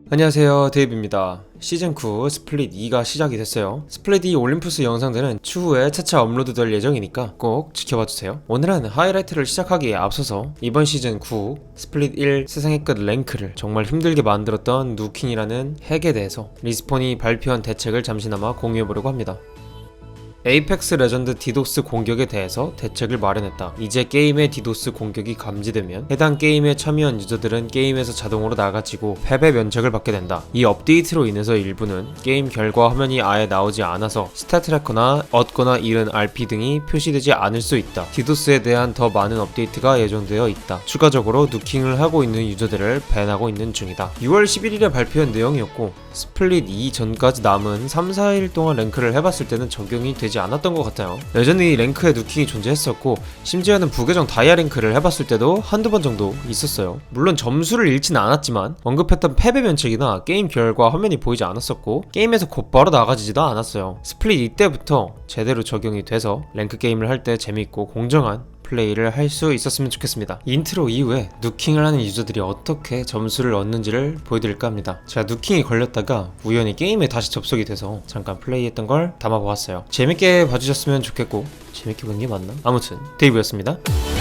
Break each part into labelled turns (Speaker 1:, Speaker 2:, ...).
Speaker 1: 안녕하세요, 데이브입니다. 시즌9 스플릿 2가 시작이 됐어요. 스플릿 2 올림푸스 영상들은 추후에 차차 업로드 될 예정이니까 꼭 지켜봐주세요. 오늘은 하이라이트를 시작하기에 앞서서 이번 시즌9 스플릿 1 세상의 끝 랭크를 정말 힘들게 만들었던 누킹이라는 핵에 대해서 리스폰이 발표한 대책을 잠시나마 공유해보려고 합니다. 에이펙스 레전드 디도스 공격에 대해서 대책을 마련했다. 이제 게임의 디도스 공격이 감지되면 해당 게임에 참여한 유저들은 게임에서 자동으로 나가지고 패배 면책을 받게 된다. 이 업데이트로 인해서 일부는 게임 결과 화면이 아예 나오지 않아서 스탯 트래커나 얻거나 잃은 RP 등이 표시되지 않을 수 있다. 디도스에 대한 더 많은 업데이트가 예정되어 있다. 추가적으로 누킹을 하고 있는 유저들을 밴하고 있는 중이다. 6월 11일에 발표한 내용이었고 스플릿 2 전까지 남은 3, 4일 동안 랭크를 해봤을 때는 적용이 되지 않았던 것 같아요. 여전히 랭크에 누킹이 존재했었고 심지어는 부계정 다이아 랭크를 해봤을 때도 한두 번 정도 있었어요. 물론 점수를 잃진 않았지만 언급했던 패배 면책이나 게임 결과 화면이 보이지 않았었고 게임에서 곧바로 나가지지도 않았어요. 스플릿 2 때부터 제대로 적용이 돼서 랭크 게임을 할 때 재밌고 공정한 플레이를 할 수 있었으면 좋겠습니다. 인트로 이후에 누킹을 하는 유저들이 어떻게 점수를 얻는지를 보여드릴까 합니다. 제가 누킹이 걸렸다가 우연히 게임에 다시 접속이 돼서 잠깐 플레이했던 걸 담아보았어요. 재밌게 봐주셨으면 좋겠고 재밌게 보는 게 맞나? 아무튼 데이브였습니다.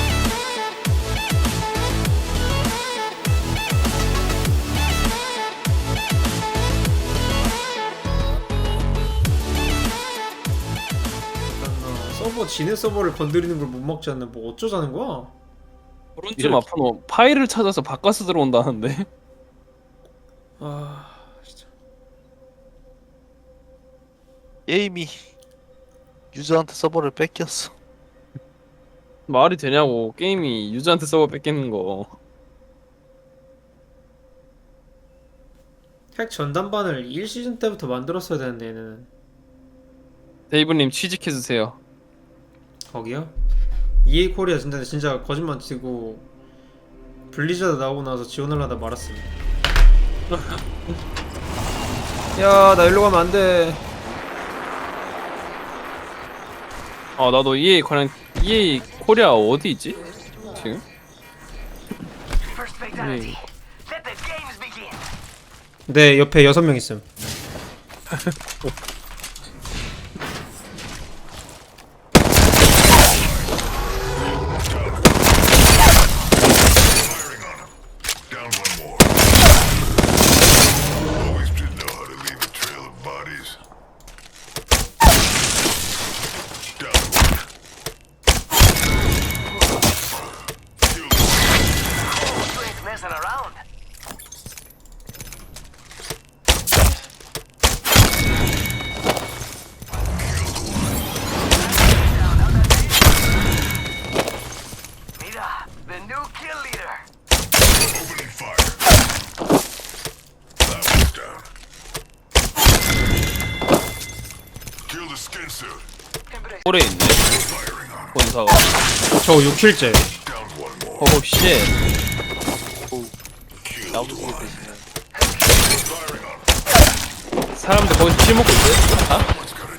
Speaker 1: 서버 지네 서버를 건드리는 걸 못 먹지 않는 뭐 어쩌자는 거야?
Speaker 2: 오른쪽 아파노 파일을 찾아서 바꿔서 들어온다는데.
Speaker 1: 아 진짜
Speaker 3: 게임이 유저한테 서버를 뺏겼어.
Speaker 2: 말이 되냐고. 게임이 유저한테 서버 뺏기는 거.
Speaker 1: 핵 전담반을 1시즌 때부터 만들었어야 되는데 얘는
Speaker 2: 데이브님 취직해주세요.
Speaker 1: 거기요? EA 코리아 진짜 거짓말 치고 블리자드 나오고 나서 지원하려다 말았습니다. 야, 나 일로 가면 안 돼.
Speaker 2: 아 나도 EA 코리아 어디 있지? 지금? EA.
Speaker 1: 네, 옆에 6명 있음.
Speaker 2: 꼴에 있네. 본사가.
Speaker 1: 저 6킬째.
Speaker 2: 오 쉣.
Speaker 3: 나무지게 되시네.
Speaker 2: 사람들 거기서 킬 먹고 있대? 아?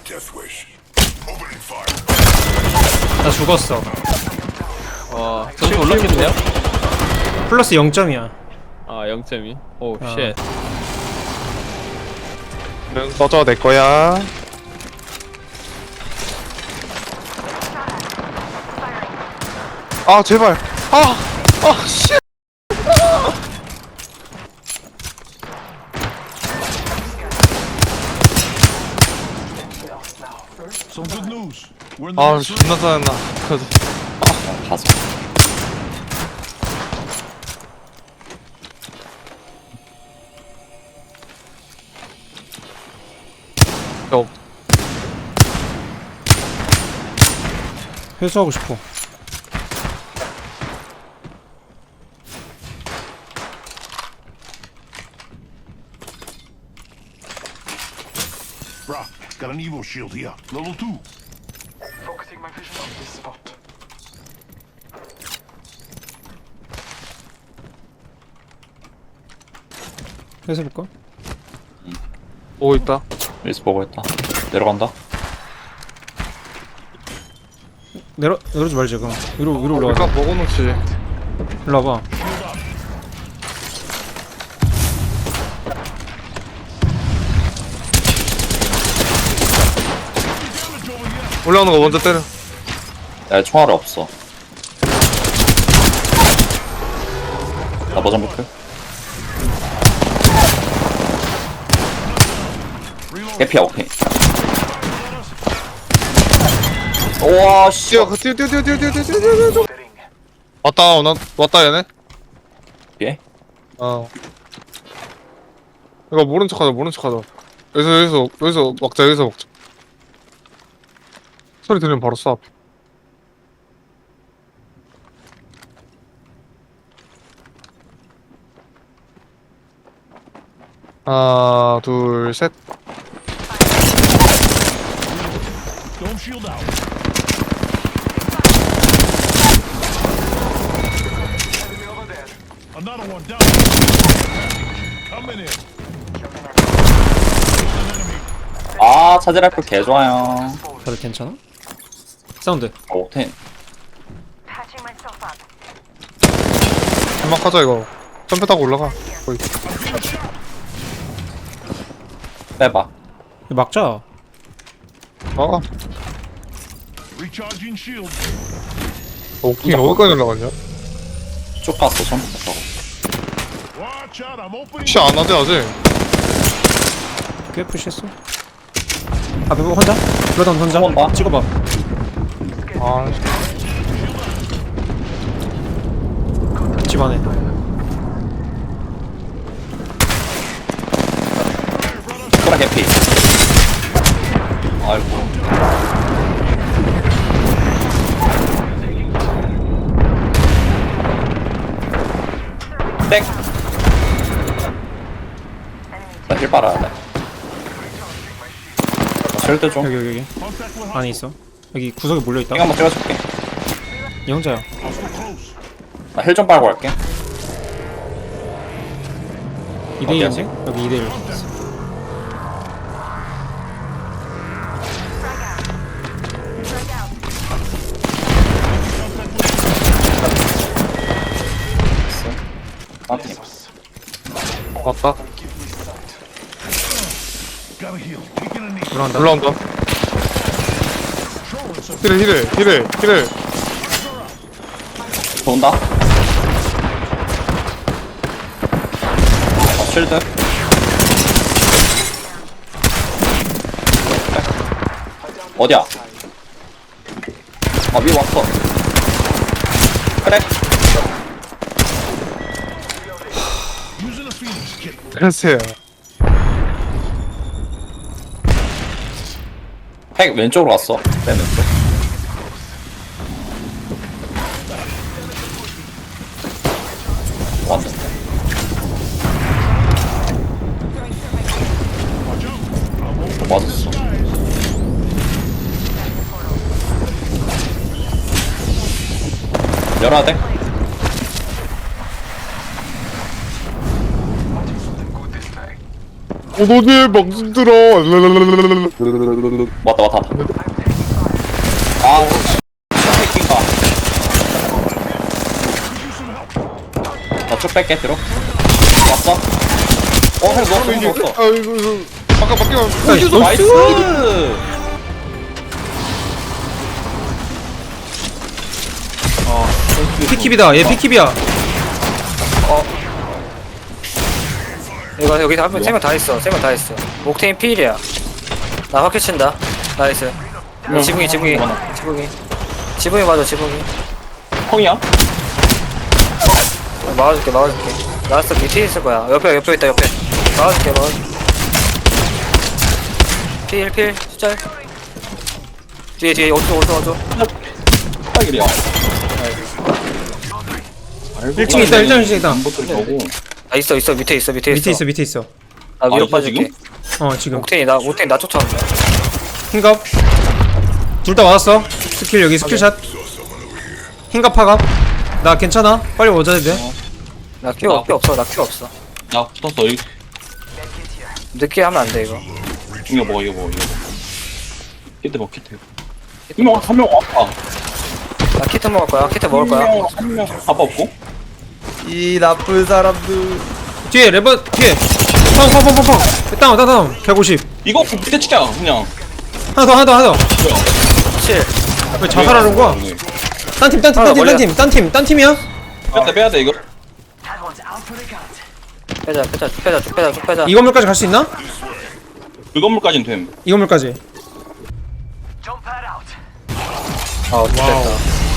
Speaker 1: 나 죽었어.
Speaker 2: 와 점수 올랐겠네요?
Speaker 1: 플러스 0점이야.
Speaker 2: 아 0.2. 오
Speaker 1: 아.
Speaker 2: 쉣.
Speaker 4: 꺼져 내 거야. 아 제발. 씨.
Speaker 5: Some good news. We're in the
Speaker 4: 아
Speaker 5: next
Speaker 4: 존나 짜증나. 그래서
Speaker 1: 회수하고 싶어.
Speaker 5: Brah, got an Evo shield here. Level 2.
Speaker 6: Focusing my vision on this spot.
Speaker 1: 회수해볼까?
Speaker 4: 보고 있다.
Speaker 7: 윌스 보고 있다. 내려간다.
Speaker 1: 내려오지 말자 그럼. 위로
Speaker 4: 일단
Speaker 1: 올라가자.
Speaker 4: 먹어놓지.
Speaker 1: 일로 와봐.
Speaker 4: 올라오는 거 먼저 때려.
Speaker 7: 야 총알이 없어. 나 버전 볼게. 해피야 오케이. 우와 씨.
Speaker 4: 뛰어 뛰어. 왔다 얘네.
Speaker 7: 예?
Speaker 4: 어. 이거 모른 척하자. 여기서 먹자. 소리 들리면 바로 쏴. 하나, 둘, 셋.
Speaker 5: Don't shield out. Another one down. Coming in.
Speaker 7: 아 차지 라이플 개 좋아요.
Speaker 1: 다들 괜찮아? 사운드.
Speaker 7: 오텐.
Speaker 8: Patching myself up.
Speaker 4: 연막하자 이거. 점프 타고 올라가. 거의.
Speaker 7: 빼봐.
Speaker 1: 이거 막자.
Speaker 4: 아,
Speaker 5: Recharging shield.
Speaker 4: 오킹 어디까지 올라갔냐?
Speaker 7: 쭉 갔어 전부 다.
Speaker 5: Watch out, I'm opening.
Speaker 4: 시 안 하지 아직.
Speaker 1: 꽤 푸시했어. 앞에 뭐 혼자? 그러다 혼자?
Speaker 7: 봐.
Speaker 1: 찍어봐.
Speaker 4: 아,
Speaker 1: 집 안에.
Speaker 7: 소라 개피. 아이고. 땡. 나힐 빨아야 돼. 쉴드 좀.
Speaker 1: 여기. 안에 있어. 여기 구석에 몰려있다.
Speaker 7: 핑 한번 찍어줄게.
Speaker 1: 얘 혼자야.
Speaker 7: 나 힐 좀 빨고 갈게.
Speaker 1: 2대1인데? 여기 2대1.
Speaker 7: 나한테.
Speaker 4: 왔다.
Speaker 5: Gotta heal. Taking a knee.
Speaker 1: 올라간다.
Speaker 4: 올라온다. 힐해.
Speaker 7: 돈다. 쉴드. 어디야? 위 왔어. 그래.
Speaker 5: Using a Phoenix kit.
Speaker 4: 그래서요.
Speaker 7: 핵 왼쪽으로 왔어. 맨 왼쪽. 왔는데. 맞았어. 열어야 돼?
Speaker 4: 너네 방송 들어.
Speaker 7: 왔다. 아, 새끼가. 나쭉 뺄게, 뒤로. 왔어? 핵 넣었어.
Speaker 4: 아이고 이거 아까 바뀌면
Speaker 7: 나이스!
Speaker 1: 피킵이다. 얘 피킵이야.
Speaker 9: 이거 여기서 한명 3명 다 있어. 3명 다 있어. 옥테인 필이야. 나 확 켜친다. 나이스. 지붕이 맞아.
Speaker 7: 형이야?
Speaker 9: 막아줄게. 라스트 밑에 있을 거야. 옆에 있다. 막아줄게. 필 숫자. 뒤에 오른쪽.
Speaker 7: 딱이야.
Speaker 1: 1층에 있다. 1층에 있다.
Speaker 9: 아 있어. 밑에 있어.
Speaker 1: 밑에 있어.
Speaker 9: 나 위로
Speaker 7: 있어,
Speaker 9: 빠질게.
Speaker 1: 지금.
Speaker 9: 옥테인 나 쫓아온다.
Speaker 1: 흰갑. 둘 다 맞았어. 스킬 여기 스킬샷. 흰갑 파갑. 나 괜찮아. 빨리 오자 돼.
Speaker 9: 나 큐 없어. 나 큐 없어.
Speaker 7: 나 붙었어.
Speaker 9: 늦게 하면 안 돼 이거.
Speaker 7: 이거 먹어. 키트 먹어. 한 명 왔다.
Speaker 9: 나 키트 먹을 거야.
Speaker 7: 한 명 아빠 없고?
Speaker 2: 이 나쁜 사람들.
Speaker 1: 뒤에 레버 뒤에. 펑. 다운. 150.
Speaker 7: 이거 밑에 치자, 그냥.
Speaker 1: 하나 더.
Speaker 7: 뭐야?
Speaker 9: 실.
Speaker 1: 왜 자살하는 거야? 딴 팀이야?
Speaker 7: 빼야 돼 이거.
Speaker 9: 빼자 쭉 빼자.
Speaker 1: 이 건물까지 갈 수 있나?
Speaker 7: 그 건물까진 됨.
Speaker 1: 이 건물까지.
Speaker 6: Jump pad out.
Speaker 9: 아 됐다.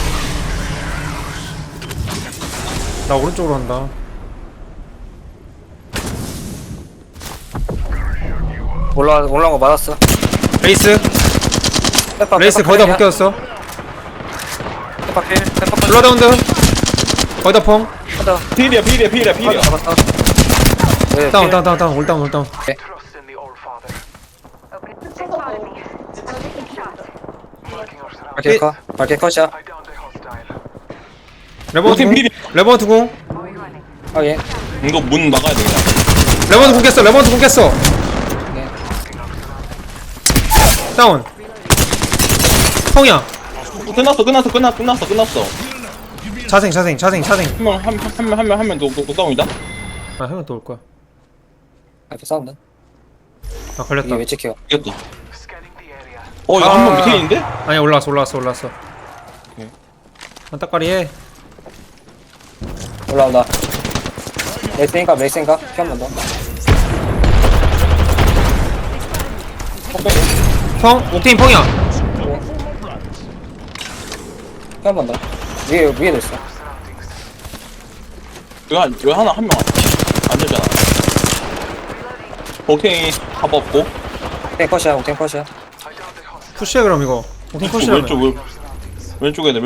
Speaker 1: 나 오른쪽으로 간다.
Speaker 9: 올라온 거 맞았어.
Speaker 1: 레이스 레이스 거의 다 벗겨졌어.
Speaker 9: 페파 필. 페파 필.
Speaker 1: 블러다운드 거의 다 펑.
Speaker 7: 필이야.
Speaker 9: 잡았어. 네,
Speaker 1: 다운
Speaker 9: 필.
Speaker 1: 올다운
Speaker 6: Trust in the All Father.
Speaker 8: Open. Spotted me. Taking shots.
Speaker 6: Marking our surroundings.
Speaker 9: 밝게 컷. 밝게 컷이야.
Speaker 6: I downed a hostile.
Speaker 1: 레버넌트 공. 레버넌트 공.
Speaker 9: 확인.
Speaker 7: 이거 문 막아야 돼 그냥.
Speaker 1: 레버넌트 공 깼어. 다운. 펑이야.
Speaker 7: 끝났어.
Speaker 1: 자생.
Speaker 7: 한명 녹다운이다.
Speaker 1: 아 형은 또 올 거야.
Speaker 9: 앞에 싸운다.
Speaker 1: 아 걸렸다.
Speaker 9: 이게 왜 찍혀?
Speaker 7: 이겼다.
Speaker 6: Scanning the area.
Speaker 7: 이거 한 명 밑에 있는데?
Speaker 1: 아니 올라왔어. 안따까리 해.
Speaker 9: 올라온다. 레이스인가 피 한 번 더.
Speaker 1: 펑 옥테인 펑이야.
Speaker 9: 피 한 번 더. 위에도 있어.
Speaker 7: 왜 하나 한 명 안 되잖아. 오케이 합 없고.
Speaker 9: 옥탱 컷이야.
Speaker 1: 푸시해 그럼 이거. 옥테인 푸시라며.
Speaker 7: 왼쪽 애들.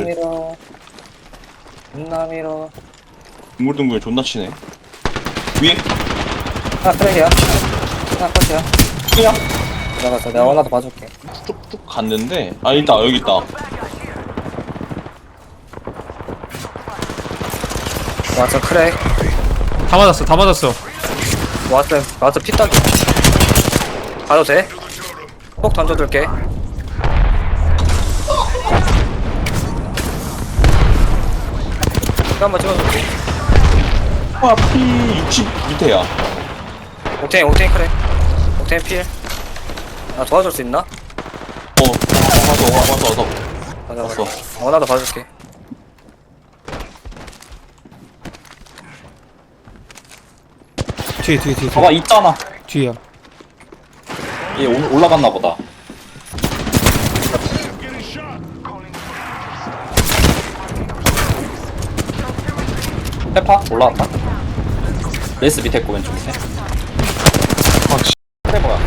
Speaker 9: 민남이로.
Speaker 7: 둥글둥글 존나 치네. 위에
Speaker 9: 하나 트랙이야. 하나 컷이야.
Speaker 7: 그냥
Speaker 9: 나갔어. 내가 하나 더 봐줄게.
Speaker 7: 쭉쭉 갔는데 있다 여기 있다.
Speaker 9: 왔어 크랙.
Speaker 1: 다 맞았어.
Speaker 9: 왔어 피딱이. 가도 돼? 폭 던져둘게. 이거 한번 찍어줄게.
Speaker 7: P60 밑에야.
Speaker 9: 옥테인 크랙. 옥테인 필. 나 도와줄 수 있나?
Speaker 7: 와서.
Speaker 9: 맞아.
Speaker 7: 왔어.
Speaker 9: 나도 봐줄게.
Speaker 1: 뒤에.
Speaker 7: 봐봐 있잖아.
Speaker 1: 뒤야.
Speaker 7: 얘 올라갔나 보다. 페파 올라왔다. 레이스 밑에 있고 왼쪽 밑에. 페퍼야.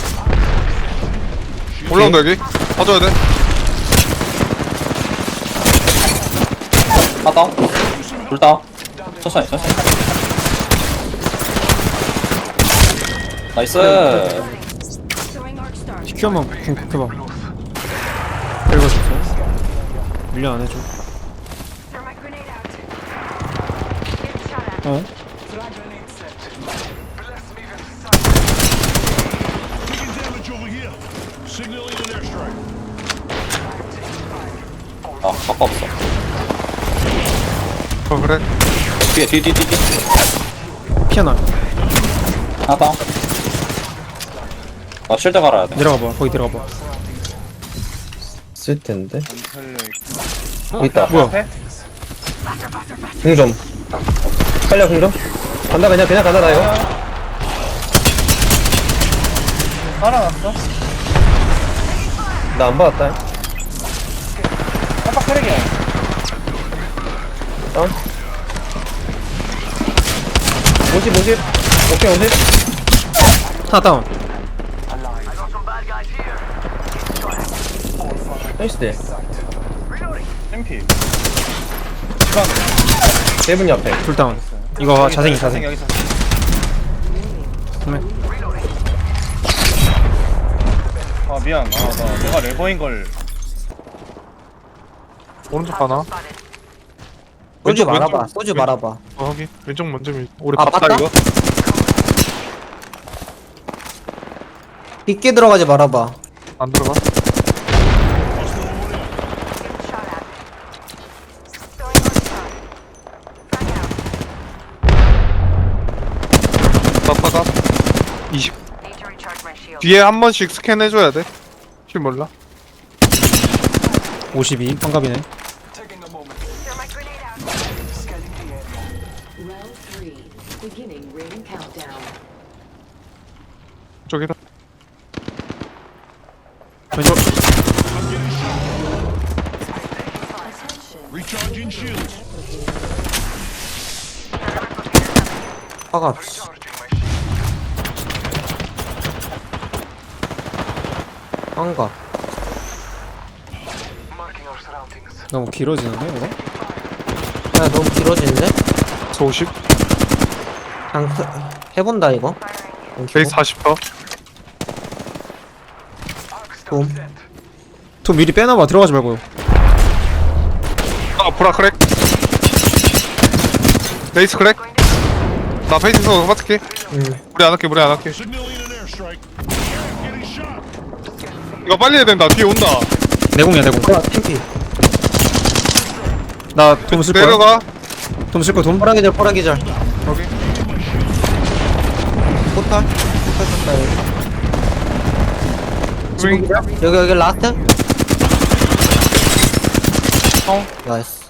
Speaker 4: 올라온다 여기. 봐줘야 돼.
Speaker 7: 하다. 둘 다. 천천히. 나이스.
Speaker 1: TQ 한번 공격해봐. 읽어줬어. 밀려 안 해줘.
Speaker 8: Thermite grenade out. Getting shot at.
Speaker 1: 어?
Speaker 6: Flag grenade set. Bless me with
Speaker 5: Taking damage over here. Signaling an airstrike.
Speaker 7: 바빠 없어.
Speaker 4: 그래.
Speaker 7: 뒤에.
Speaker 1: 피아나.
Speaker 7: 하다. 쉴드 갈아야 돼.
Speaker 1: 내려가봐. 거기 들어가봐.
Speaker 10: 쓸 텐데.
Speaker 7: 있다.
Speaker 1: 뭐야?
Speaker 10: 공점. 빨려 공점. 간다 그냥 간다 나 이거.
Speaker 9: 살아났어?
Speaker 10: 나 안 받았다.
Speaker 9: 깜빡 크랙이야.
Speaker 10: 다운. 50. 오케이 50.
Speaker 1: 하나 다운.
Speaker 10: 나이스 대.
Speaker 9: 챔피.
Speaker 10: 세븐 옆에.
Speaker 1: 둘 다운. 이거 자생이.
Speaker 9: 여기서.
Speaker 1: 그러면
Speaker 9: 아 미안. 내가 레버인 걸.
Speaker 4: 오른쪽 하나.
Speaker 10: 소주
Speaker 4: 왼쪽,
Speaker 10: 말아봐.
Speaker 4: 왼쪽.
Speaker 10: 소주 말아봐.
Speaker 4: 확인. 왼쪽 먼저 우리
Speaker 10: 아,
Speaker 4: 봤다
Speaker 10: 봤다?
Speaker 4: 이거.
Speaker 10: 깊게 들어가지 말아봐.
Speaker 4: 안 들어가. 바빠가 20.
Speaker 8: Need to recharge my shield.
Speaker 4: 뒤에 한 번씩 스캔해줘야 돼. 킬 몰라.
Speaker 1: 52 환갑이네.
Speaker 6: Taking a moment.
Speaker 8: Throw my grenade out.
Speaker 6: Scanning the area.
Speaker 11: Round 3. Beginning ring countdown.
Speaker 4: 저기다.
Speaker 1: 왼쪽.
Speaker 11: Attention.
Speaker 5: Recharging shields.
Speaker 10: 화가
Speaker 6: Recharging my shield.
Speaker 10: 환각.
Speaker 6: Marking our surroundings.
Speaker 1: 너무 길어지는데 이거?
Speaker 10: 야 너무 길어지는데?
Speaker 4: 저 50.
Speaker 10: 그냥 해본다 이거.
Speaker 4: 베이스 40%.
Speaker 10: 봄.
Speaker 1: 돈 미리 빼놔봐. 들어가지 말고.
Speaker 4: 아 보라 크랙. 베이스 크랙. 나 베이스에서 맞을게. 무리 안 할게 무리 안 할게.
Speaker 5: Signaling an airstrike. Getting shot.
Speaker 4: 이거 빨리 해야 된다. 뒤에 온다.
Speaker 1: 내공이야 내공.
Speaker 10: 야 TP.
Speaker 1: 나돈 쓸 거야.
Speaker 4: 내려가.
Speaker 1: 돈 쓸 거야 돈.
Speaker 10: 호랑이절 호랑이절.
Speaker 4: 여기.
Speaker 10: 포탈. 포탈 쏜다
Speaker 4: 윙.
Speaker 10: 여기 라스트. 나이스.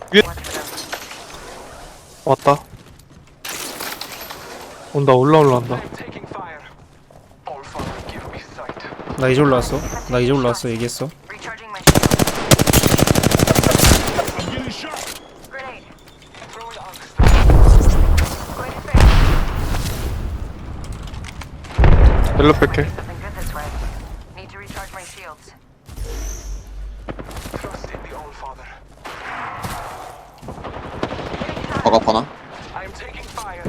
Speaker 4: 왔다. 온다 올라온다.
Speaker 6: Taking fire. All father, give me sight.
Speaker 1: 나 이제 올라왔어. 나 이제 올라왔어. 얘기했어.
Speaker 8: Recharging my shield.
Speaker 5: I'm getting shot.
Speaker 8: Grenade.
Speaker 6: Throwing arcs.
Speaker 8: Going to space.
Speaker 4: 옐로 뺄게.
Speaker 8: Something good this way. Need to recharge my shields.
Speaker 6: Trust in the all father.
Speaker 7: 버겁거나
Speaker 6: I am taking fire.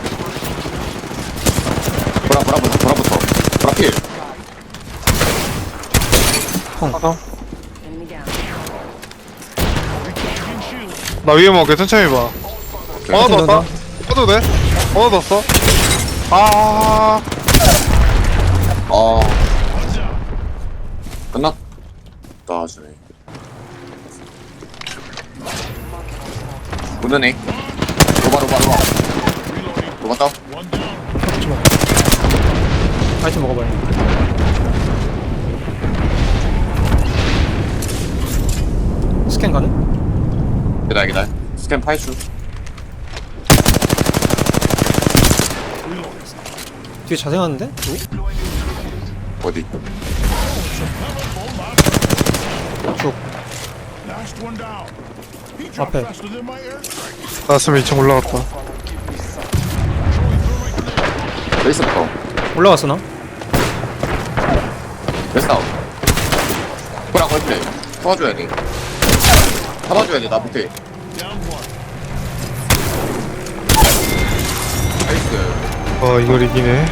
Speaker 7: 보라부터 보라필
Speaker 11: Enemy down.
Speaker 5: Recharging shields.
Speaker 4: 나 위에 먹게 천천히 봐. 하나 더 왔다. 해도 돼? 하나 더 왔어. 아.
Speaker 7: 끝났다 하시네. 무드네. 로바 다운.
Speaker 5: One down.
Speaker 1: 아이템 먹어봐요. 스캔 가능?
Speaker 7: 기다려. 스캔 파이슈.
Speaker 1: 뒤에 자생하는데?
Speaker 7: 어디?
Speaker 5: Last one down. He dropped
Speaker 1: 앞에.
Speaker 5: faster than my airstrike.
Speaker 4: 나스면 2층 올라갔다.
Speaker 7: 베이스부터.
Speaker 1: 올라갔어 나?
Speaker 7: 베이스 다운. 보라 걸플레이. 잡아줘야 돼. 나 밑에.
Speaker 5: Down one.
Speaker 7: 베이스.
Speaker 4: 이걸 이기네.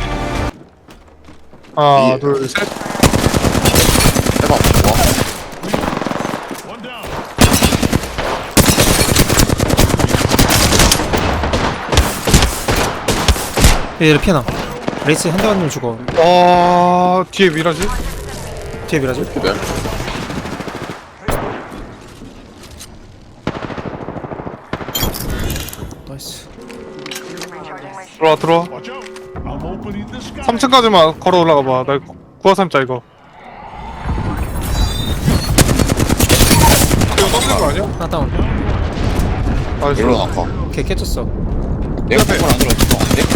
Speaker 4: 하나 둘 셋.
Speaker 7: 대박. 와.
Speaker 5: One down.
Speaker 1: 얘를 피해놔. 레이스 한 대 맞으면 죽어.
Speaker 4: 뒤에 미라지?
Speaker 1: 뒤에 밀어줘.
Speaker 7: 기다려.
Speaker 1: 나이스.
Speaker 8: Recharging my shield.
Speaker 4: 들어와.
Speaker 5: Watch out. I'm opening the sky.
Speaker 4: 3층까지만 걸어 올라가 봐. 나 구하삼자 이거. 이거 넘는 거 아니야?
Speaker 1: 하나 다운.
Speaker 4: 나이스.
Speaker 7: 일로 나가.
Speaker 1: 걔 깨졌어.
Speaker 7: 내가 패걸 안 들어줬어. 안 돼?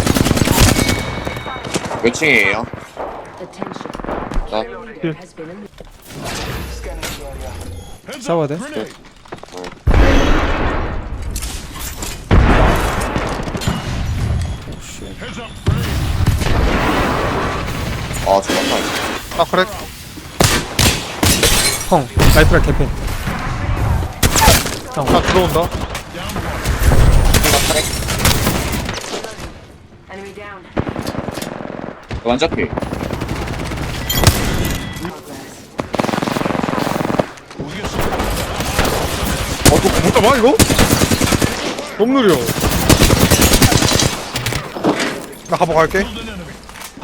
Speaker 7: 몇 층이에요?
Speaker 11: Attention.
Speaker 7: 나
Speaker 11: There has been a
Speaker 6: Scanning the area.
Speaker 5: Heads
Speaker 1: 싸워야
Speaker 5: up.
Speaker 1: 돼.
Speaker 5: Grenade. Heads up. Grenade.
Speaker 7: 죽었다.
Speaker 4: 아 그래?
Speaker 1: 펑. 라이프랄 개핀. 다운.
Speaker 4: 나 들어온다.
Speaker 8: Enemy down.
Speaker 7: 완전 피.
Speaker 4: 못 잡아 이거? 너무 느려. 나 가보 갈게.
Speaker 5: Killed an enemy.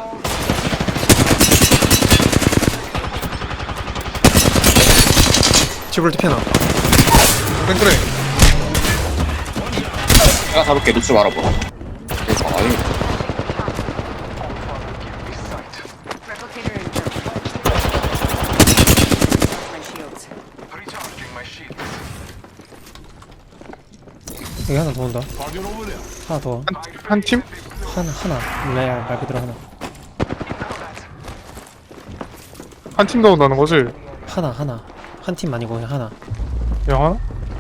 Speaker 1: 지브롤트 피해놔.
Speaker 4: 땡그레.
Speaker 7: 내가 잡을게. 놓지 말아보라. 아니.
Speaker 8: Replicator in. My shields.
Speaker 6: Recharging my shield.
Speaker 1: 여기 하나 더 온다.
Speaker 5: Target over there.
Speaker 1: 하나 더.
Speaker 4: 한 팀?
Speaker 1: 하나. 레알 말 그대로 하나.
Speaker 4: 한 팀 더 온다는 거지?
Speaker 1: 하나. 한 팀 아니고 그냥 하나.
Speaker 4: 영화?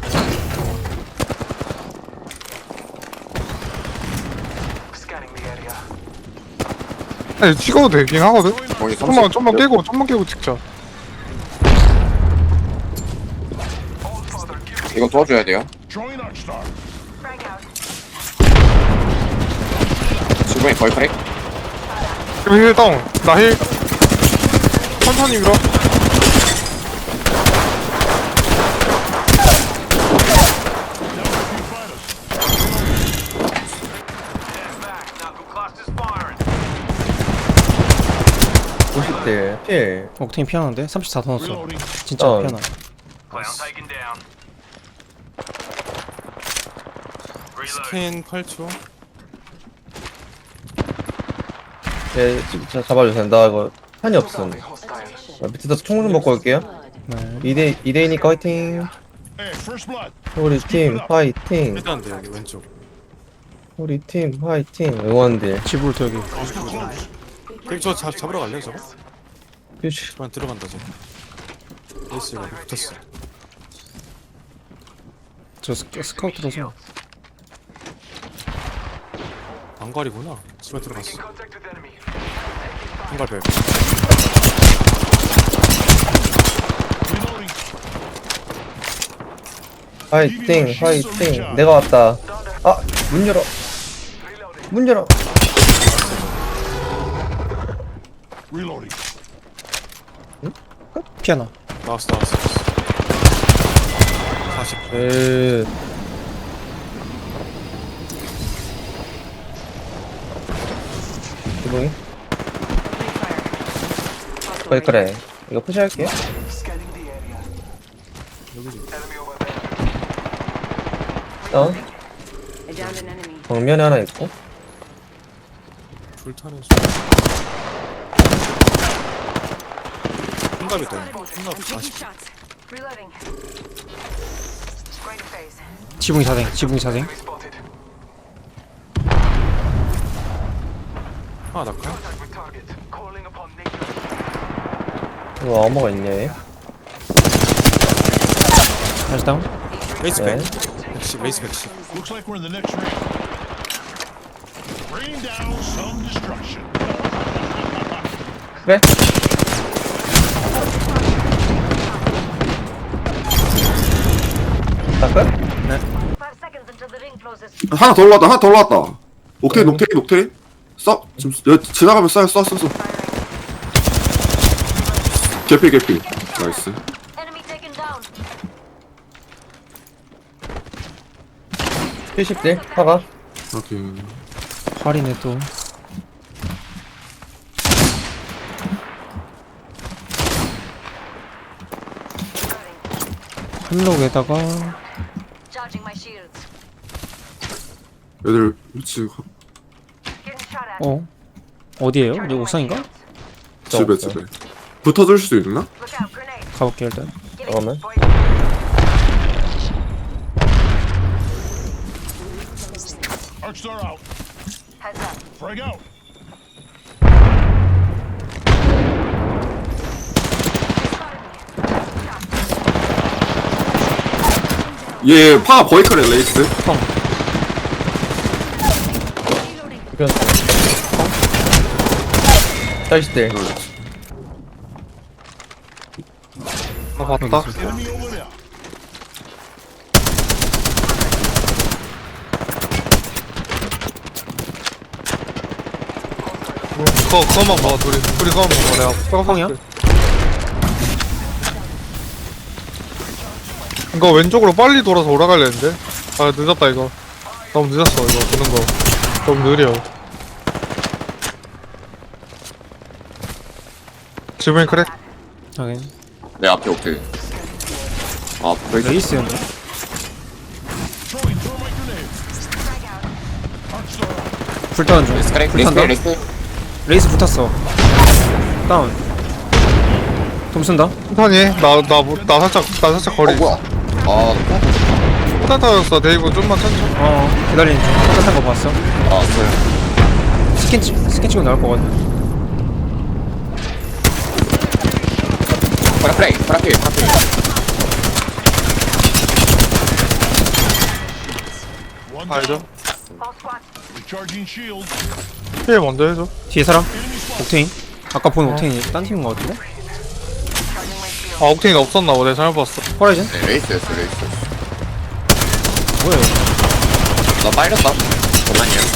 Speaker 6: Scanning the area.
Speaker 4: 아니 찍어도 되긴 하거든? 좀만 깨고 찍자.
Speaker 7: 이거 도와줘야 돼요.
Speaker 5: Throwing Arc Star.
Speaker 8: Frag out.
Speaker 7: 지붕이 거의 크랙.
Speaker 4: 지금 힐 다운. 나 힐. 천천히 밀어.
Speaker 1: 옥테인 피하는데? 34 더 넣었어.
Speaker 5: Reloading.
Speaker 1: 진짜 피하나.
Speaker 6: Clown taken down.
Speaker 2: 스캔 8초.
Speaker 10: 예, 진짜 잡아주세요. 나 이거 탄이 없음.
Speaker 6: Hostiles.
Speaker 10: 나 밑에서 총 좀 먹고 올게요.
Speaker 1: 네.
Speaker 10: 2대2니까 화이팅.
Speaker 5: Hey, first blood.
Speaker 10: 우리 팀 화이팅.
Speaker 2: 일단 돼 여기 왼쪽.
Speaker 10: 우리 팀 화이팅. 응원들.
Speaker 1: 지불도 여기.
Speaker 5: Too close.
Speaker 2: 그럼 저 잡으러 갈래요 저거?
Speaker 10: 휴식.
Speaker 2: 그만 들어간다 저. 에이스가 붙었어.
Speaker 1: 저 스카우트라서.
Speaker 2: 방갈이구나. 집에 들어갔어.
Speaker 6: Contact with enemy.
Speaker 2: 방갈 별.
Speaker 5: Reloading.
Speaker 10: 화이팅. 내가 왔다. 아, 문 열어. 문 열어.
Speaker 5: Reloading.
Speaker 1: 피하나.
Speaker 2: 나왔어. 40.
Speaker 10: 기봉이? 그래. 이거 푸시할게.
Speaker 6: Scanning the area.
Speaker 2: 여기지.
Speaker 6: Enemy over there.
Speaker 10: 다운.
Speaker 11: I downed an enemy.
Speaker 10: 정면에 하나 있고.
Speaker 2: 불타는 소. 흰갑 있다. 흰갑 40.
Speaker 8: Reloading. Great phase.
Speaker 1: 지붕이 사생.
Speaker 6: Spotted.
Speaker 2: 아 낙하.
Speaker 6: Contact with target. Calling upon nature.
Speaker 10: 이거 어머가 있냐, 얘?
Speaker 1: 다시 다운.
Speaker 2: 레이스
Speaker 10: 네.
Speaker 2: 100. 레이스 110.
Speaker 5: Looks like we're in the next ring. Rain down some destruction.
Speaker 10: 그래? 나 끝?
Speaker 8: 5 seconds until the ring closes.
Speaker 7: 하나 더 올라왔다. 옥테인. 써. 지금 여기 지나가면 써. 개피. 나이스.
Speaker 8: Enemy taken down.
Speaker 10: 70대? 화가?
Speaker 7: 오케이.
Speaker 1: 활이네 또. 한록에다가
Speaker 8: Charging my shields.
Speaker 7: 얘들 위치
Speaker 8: Getting shot at.
Speaker 1: 어디에요? 여기 옥상인가?
Speaker 7: 집에. 붙어줄 수 있나?
Speaker 8: Look out, grenade.
Speaker 1: 가볼게 일단.
Speaker 10: 잠깐만.
Speaker 5: Arc Star out.
Speaker 8: Heads up.
Speaker 5: Frag out.
Speaker 7: 얘 파가 버이커래 레이스.
Speaker 10: 이건 40대.
Speaker 4: 아 봤다.
Speaker 5: Enemy over there.
Speaker 4: 그거만 먹어 둘이 그거만 먹어 내가
Speaker 1: 뻥뻥이야?
Speaker 4: 이거 왼쪽으로 빨리 돌아서 올라가려 했는데 아 늦었다 이거 너무 늦었어 이거 드는 거 너무 느려 지붕이 그래?
Speaker 1: 하긴.
Speaker 7: 내 앞에 옥테인. 아 브레이크.
Speaker 1: 레이스였네.
Speaker 5: Throw my grenade. Arc Star out.
Speaker 1: 불타는 중. 불탄다. 레이스 붙었어. 다운. 돔 쓴다.
Speaker 4: 천천히 나 살짝 거리
Speaker 7: 뭐야? 아
Speaker 4: 폭탄 터졌어. 데이브 좀만 천천히.
Speaker 1: 기다리는 중. 똑같은 거 봤어.
Speaker 10: 아,
Speaker 1: 스킨 치고 나올 거거든.
Speaker 10: 파라플레이, 파라필.
Speaker 5: One
Speaker 4: 알죠?
Speaker 5: down. Recharging shield.
Speaker 4: 힐 먼저 해줘.
Speaker 1: 뒤에 사람?
Speaker 5: Enemy spotted.
Speaker 1: 옥테인. 아까 본 옥테인이 딴 팀인 거 같은데?
Speaker 4: 아, 옥테인 없었나 보네. 잘못 봤어.
Speaker 1: 호라이즌?
Speaker 10: 네, 레이스였어.
Speaker 1: 뭐야 이거?
Speaker 10: 나 빨렸다. 잠깐만요.